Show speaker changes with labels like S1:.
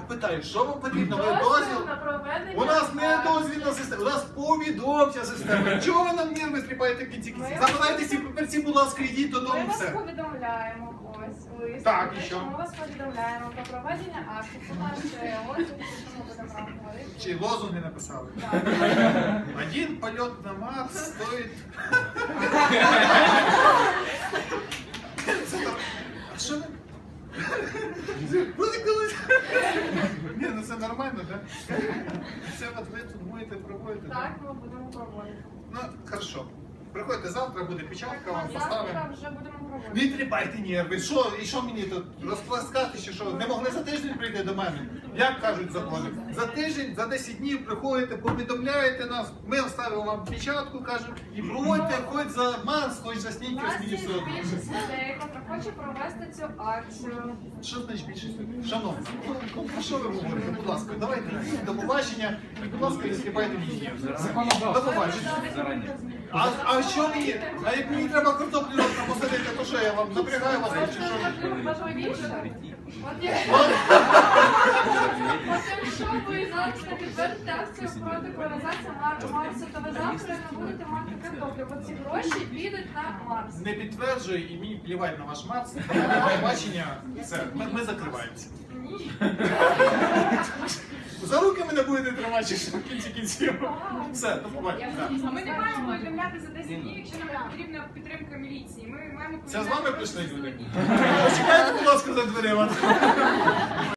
S1: питаю, що вам потрібно? Ви дозвіл? У нас не дозвільна система, у нас повідомча система. Чого ви нам нерви тріпаєте в кінці кінці? Забирайте ці папірці, будь ласка, йдіть додому,
S2: Ми вас
S1: все.
S2: повідомляємо, ось, лист.
S1: Так, і що?
S2: Ми вас повідомляємо про проведення акту, про наш лозунг, що ми будемо вам говорити.
S1: Чи лозунги написали?
S2: Так.
S1: Один польот на Марс стоїть... А що ви? Буде колись? Ні, ну це нормально, так? Це от ви тут будете проводити?
S2: Так, ми будемо проводити.
S1: Ну, хорошо. Приходьте завтра, буде печатка, вам
S2: Завтра
S1: поставимо.
S2: вже будемо проводити.
S1: Не тріпайте нерви. Що, і що мені тут розплескати, чи що? Не могли за тиждень прийти до мене? Як кажуть закони? За тиждень, за 10 днів приходите, повідомляєте нас, ми оставимо вам печатку, кажемо, і проводьте хоч за Марс, хоч за
S2: У
S1: Снікерс
S2: нас є
S1: Мінісота.
S2: більшість людей, хто хоче провести цю акцію.
S1: Що значить більшість людей? Шановні, ну, про що ви говорите? Будь ласка, давайте йдіть, до побачення, і, будь ласка, не стріпайте мені нерви. До побачення. А що мені? А як мені треба картоплю завтра посадити, то що я вам напрягаю вас? Чи що?
S2: Важливіше. От якщо ви зараз не підтвердите акцію проти колонізації Марсу, то ви завтра не будете мати картоплю, бо ці гроші підуть на Марс.
S1: Не підтверджую і мені плівать на ваш Марс. До побачення. Все, ми закриваємося.
S2: Ні.
S1: За руки мене будете тримати, чи що в кінці кінців. Все, до побачення.
S3: А ми не маємо повідомляти за 10 днів, якщо нам потрібна підтримка міліції. Ми маємо
S1: Це з вами прийшли люди?
S3: сьогодні.
S1: Почекайте, будь ласка, за дверима.